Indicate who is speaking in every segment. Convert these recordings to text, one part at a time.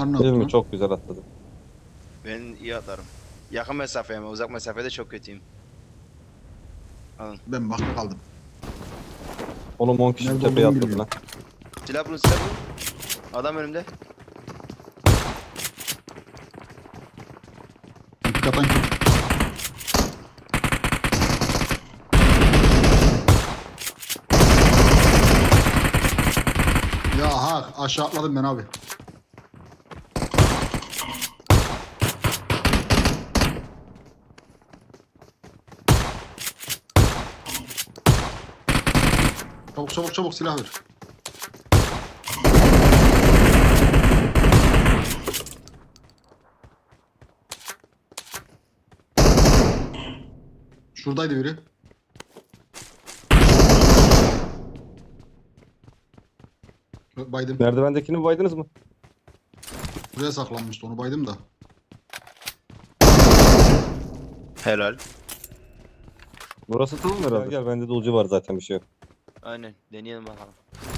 Speaker 1: Onlar ne
Speaker 2: Değil mi?
Speaker 1: yaptı?
Speaker 2: Çok güzel atladım.
Speaker 3: Ben iyi atarım. Yakın mesafe ama uzak mesafede çok kötüyüm. Alın.
Speaker 1: Ben bak kaldım.
Speaker 2: Oğlum 10 kişi
Speaker 1: Nerede
Speaker 2: tepeye
Speaker 1: olduğunu
Speaker 2: atladı
Speaker 1: bilmiyorum.
Speaker 2: lan.
Speaker 3: Silah bulun silah bulun. Adam önümde.
Speaker 1: Hakikaten ya ha aşağı atladım ben abi. Çabuk çabuk çabuk silah ver. Şuradaydı biri. Baydım.
Speaker 2: Merdivendekini baydınız mı?
Speaker 1: Buraya saklanmıştı onu baydım da.
Speaker 3: Helal.
Speaker 2: Burası tamam mı herhalde? Gel bende de ucu var zaten, bir şey yok.
Speaker 3: Aynen. Deneyelim bakalım.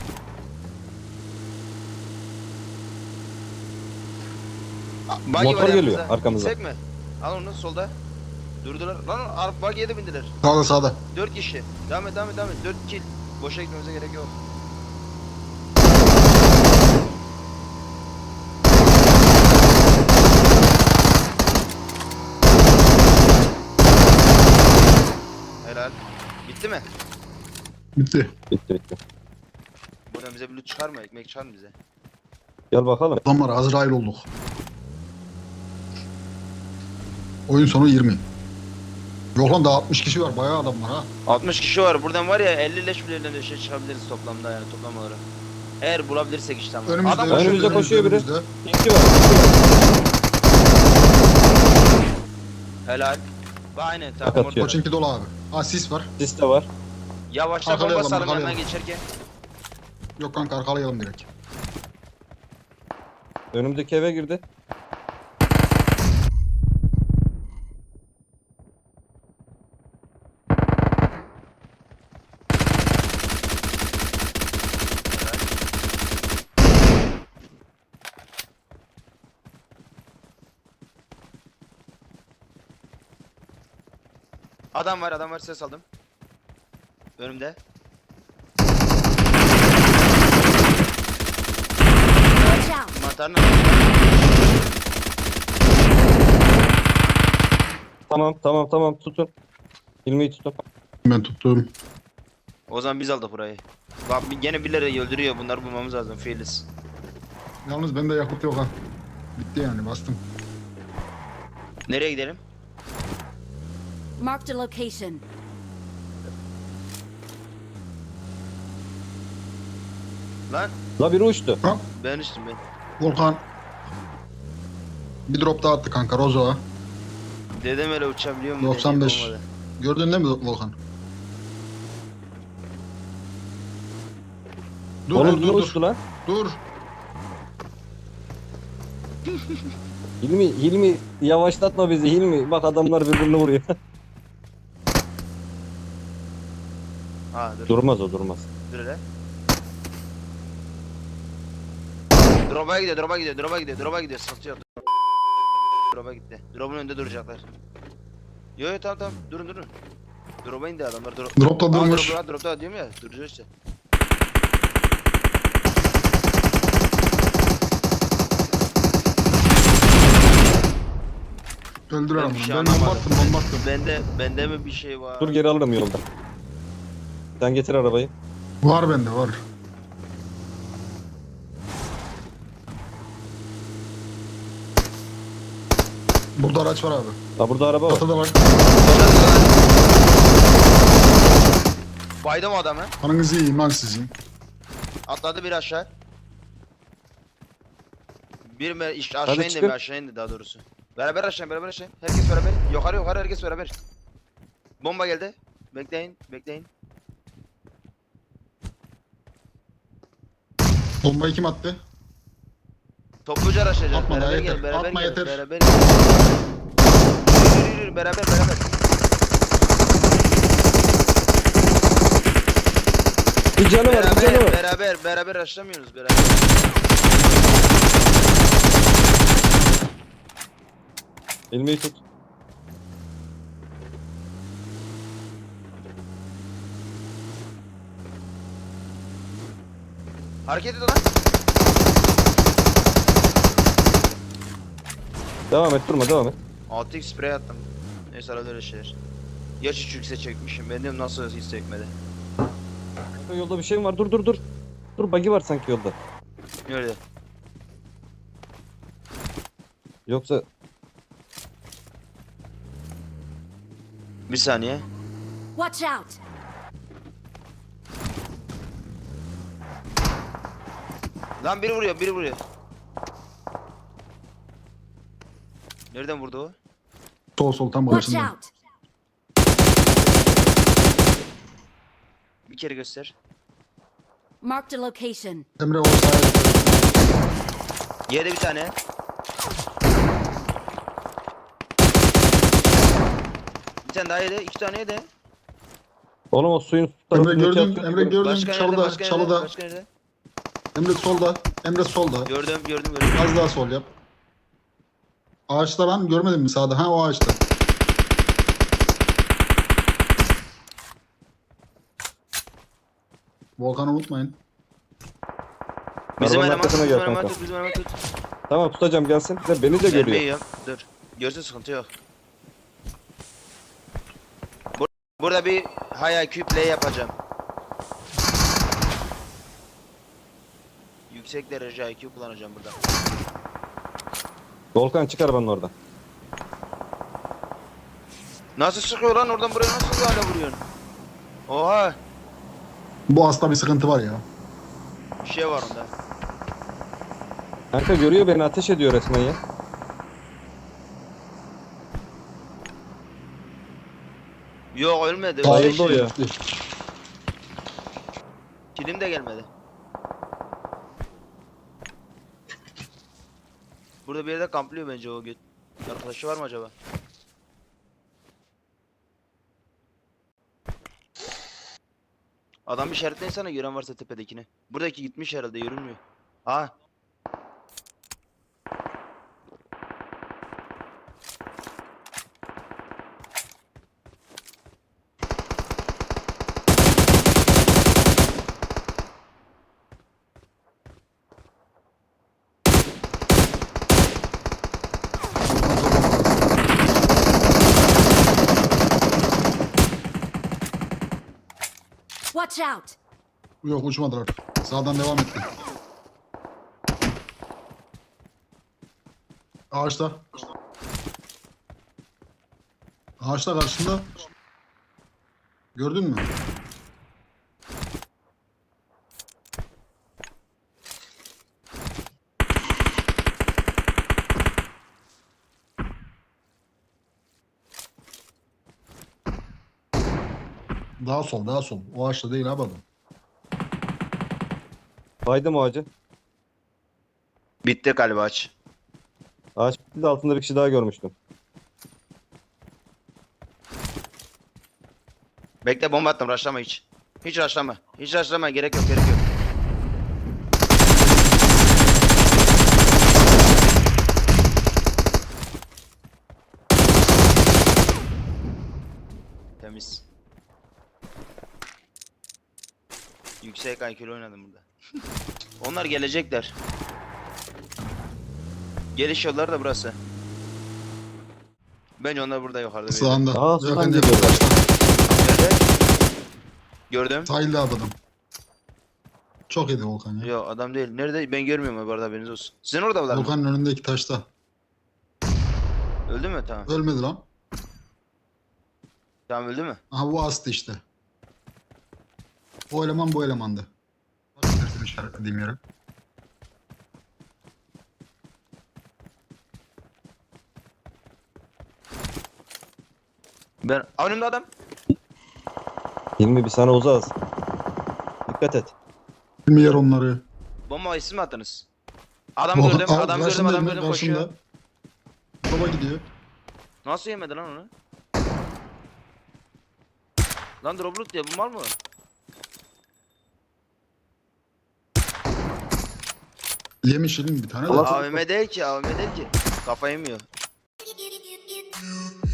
Speaker 2: Motor geliyor arkamızdan.
Speaker 3: Gitsek mi? Al onu solda. Durdular. Lan buggy'ye de bindiler.
Speaker 1: Sağda sağda.
Speaker 3: 4 kişi. Devam et devam et devam et. 4 kill. Boşa gitmemize gerek yok. Helal. Bitti mi?
Speaker 1: Bitti.
Speaker 2: Bitti bitti.
Speaker 3: Buradan bize bir loot çıkar mı? Ekmek çıkar mı bize?
Speaker 2: Gel bakalım.
Speaker 1: Adamlar Azrail olduk. Oyun sonu 20. Yok lan daha 60 kişi var. Bayağı adam var ha.
Speaker 3: 60 kişi var. Buradan var ya 50 leş bile leşe çıkabiliriz toplamda yani toplam olarak. Eğer bulabilirsek işte ama.
Speaker 1: Önümüzde,
Speaker 3: Adam
Speaker 1: önümüzde,
Speaker 2: Önümüzde koşuyor biri.
Speaker 1: önümüzde.
Speaker 2: İki var.
Speaker 3: helal. Aynen tamam
Speaker 2: Atıyor.
Speaker 3: orada.
Speaker 1: Koçinki dolu abi. Ha sis var.
Speaker 2: Sis de var.
Speaker 3: Yavaşla
Speaker 1: Arkalayalım,
Speaker 3: bomba salın
Speaker 1: arkalayalım.
Speaker 3: yanından geçerken.
Speaker 1: Yok kanka arkalayalım direkt.
Speaker 2: Önümdeki eve girdi.
Speaker 3: Adam var ses aldım. Önümde.
Speaker 4: Watch out!
Speaker 3: Mantarın
Speaker 2: Tamam tutun. İlmeği tutun.
Speaker 1: Ben tuttum.
Speaker 3: O zaman biz aldık burayı. Bak gene birileri öldürüyor. Bunları bulmamız lazım. Fearless.
Speaker 1: Yalnız bende yakıt yok ha. Bitti yani bastım.
Speaker 3: Nereye gidelim?
Speaker 4: Marked a location.
Speaker 3: Lan
Speaker 2: La biri uçtu.
Speaker 1: Ha?
Speaker 3: ben üstüm ben.
Speaker 1: Volkan. Bir drop daha attı kanka Rozo'a.
Speaker 3: Dedem öyle uçabiliyor mu?
Speaker 1: 95.
Speaker 3: Deneyim olmadı.
Speaker 1: Gördün değil mi Volkan? Dur
Speaker 2: Oğlum
Speaker 1: dur
Speaker 2: ne
Speaker 1: dur
Speaker 2: uçtu lan?
Speaker 1: dur.
Speaker 2: Hilmi yavaşlatma bizi Hilmi. Bak adamlar birbirini vuruyor.
Speaker 3: Ha dur.
Speaker 2: Durmaz o durmaz.
Speaker 3: Dur hele. Drop'a gidiyor. Satıyor. Drop'a gitti. Drop'un önünde duracaklar. Yo tamam. Durun. Drop'a indi adamlar.
Speaker 1: Drop'ta durmuş.
Speaker 3: Drop'ta diyorum ya. Duracağız işte.
Speaker 1: Öldür
Speaker 3: Ben
Speaker 1: adamı.
Speaker 3: bir şey
Speaker 1: Ben
Speaker 3: anlamadım.
Speaker 1: bomba attım.
Speaker 3: Bende mi bir şey var?
Speaker 2: Dur geri alırım yolda. Sen getir arabayı.
Speaker 1: Var bende var. Burada araç var abi.
Speaker 2: Ha burada araba var.
Speaker 1: Çatıda var.
Speaker 3: Baydım o adamı.
Speaker 1: Kanınızı yiyeyim lan sizin.
Speaker 3: Atladı bir aşağı. İşte
Speaker 2: Hadi
Speaker 3: aşağı indi
Speaker 2: çıkın.
Speaker 3: mi? Aşağı indi daha doğrusu. Beraber aşağı. Herkes beraber. Yukarı herkes beraber. Bomba geldi. Bekleyin.
Speaker 1: Bombayı kim attı?
Speaker 3: Topluca araştıracağız.
Speaker 1: Atma,
Speaker 3: Beraber
Speaker 1: yeter.
Speaker 3: gelin. Beraber
Speaker 1: Atma,
Speaker 3: gelin.
Speaker 1: yeter.
Speaker 3: Beraber gelin. Yürü. Beraber.
Speaker 2: Bir canı var.
Speaker 3: Beraber araştıramıyoruz. Beraber.
Speaker 2: İlmeği tut.
Speaker 3: Hareket et lan.
Speaker 2: Devam et durma devam et.
Speaker 3: 6x sprey attım. Neyse arada öyle şeyler. Yaş hiç yükse çekmişim. Ben diyorum nasıl hiç çekmedi.
Speaker 2: Kanka yolda bir şey mi var? Dur dur dur. Dur buggy var sanki yolda.
Speaker 3: Öyle.
Speaker 2: Yoksa
Speaker 3: Bir saniye.
Speaker 4: Watch out!
Speaker 3: Lan biri vuruyor, biri vuruyor. Nereden vurdu o?
Speaker 1: Sol tam
Speaker 4: Watch
Speaker 1: karşında.
Speaker 4: out!
Speaker 3: Bir kere göster.
Speaker 4: Marked a location.
Speaker 1: Emre o sahaya.
Speaker 3: Yerde bir tane. Bir tane daha yedi, iki tane yedi.
Speaker 2: oğlum o suyun
Speaker 1: Emre
Speaker 2: tarafındaki
Speaker 1: gördün,
Speaker 2: atıyor.
Speaker 1: Emre gördün.
Speaker 3: Başka nerede,
Speaker 1: Çalıda,
Speaker 3: başka nerede,
Speaker 1: çalıda.
Speaker 3: başka nerede?
Speaker 1: Emre solda. Emre solda.
Speaker 3: Gördüm.
Speaker 1: Az daha sol yap. Ağaçta lan görmedin mi sağda? Ha o ağaçta. Volkan'ı unutmayın.
Speaker 3: Bizim
Speaker 2: Arabanın
Speaker 3: eleman tut,
Speaker 2: arkasına
Speaker 3: bizim
Speaker 2: gel
Speaker 3: eleman
Speaker 2: kanka.
Speaker 3: tut, bizim eleman tut.
Speaker 2: Tamam tutacağım gelsin. De beni de görüyor.
Speaker 3: Gelmeyi yap, dur. Görse sıkıntı yok. Burada bir high IQ play yapacağım. Yüksek derece IQ kullanacağım burada.
Speaker 2: Volkan çık arabanın oradan.
Speaker 3: Nasıl sıkıyor lan oradan buraya nasıl hala vuruyorsun? Oha!
Speaker 1: Bu hasta bir sıkıntı var ya.
Speaker 3: Bir şey var onda.
Speaker 2: Kanka görüyor beni ateş ediyor resmen ya.
Speaker 3: Yok ölmedi.
Speaker 2: Bayıldı o ya.
Speaker 3: Kilim de gelmedi. Burada bir yerde kamplıyor bence o göt. Arkadaşı var mı acaba? Adam işaretleyin gören varsa tepedekini. Buradaki gitmiş herhalde yürünmüyor. Ha.
Speaker 4: Watch out!
Speaker 1: Yok uçmadılar. Sağdan devam etti. Ağaçta. Ağaçta karşında. Gördün mü? Daha sol, daha sol. O ağaçta değil abi adam.
Speaker 2: Baydım ağacı.
Speaker 3: Bitti galiba aç.
Speaker 2: Ağaç bitti de altında bir kişi daha görmüştüm.
Speaker 3: Bekle bomba attım rushlama hiç. Hiç rushlama. Hiç rushlama gerek yok gerek yok. Temiz. Yüksek IQ'lu oynadım burada. Onlar gelecekler. Geliş yolları da burası. Bence onlar burada yukarıda bir yerde.
Speaker 1: Sağında.
Speaker 2: Aa,
Speaker 1: Yok,
Speaker 2: sağdan
Speaker 1: Emre,
Speaker 2: geliyorlar.
Speaker 1: başta.
Speaker 3: Nerede? Gördüm.
Speaker 1: Sahilde abi adam. Çok yedi Volkan ya.
Speaker 3: Yok adam değil. Nerede? Ben görmüyorum bu arada haberiniz olsun. Sizin orada mılar mı?
Speaker 1: Volkan'ın önündeki taşta.
Speaker 3: Öldü mü? Tamam.
Speaker 1: Ölmedi lan.
Speaker 3: Tamam öldü mü?
Speaker 1: Aha bu astı işte. O eleman bu elemandı. Bak istersen işaretlediğim yere.
Speaker 3: Ben... Önümde adam.
Speaker 2: Hilmi bir sana uzağız. Dikkat et.
Speaker 1: Kim yer onları?
Speaker 3: Bomba siz mi attınız? Adam gördüm,
Speaker 1: Al,
Speaker 3: adam gördüm,
Speaker 1: karşında
Speaker 3: adam
Speaker 1: Emre,
Speaker 3: gördüm koşuyor.
Speaker 1: Baba gidiyor.
Speaker 3: Nasıl yemedi lan onu? Lan droplut diye bu mal mı?
Speaker 1: Yemiş elim bir tane de.
Speaker 2: Allah-
Speaker 3: AVM değil ki, AVM değil ki. Kafa yemiyor.
Speaker 5: it.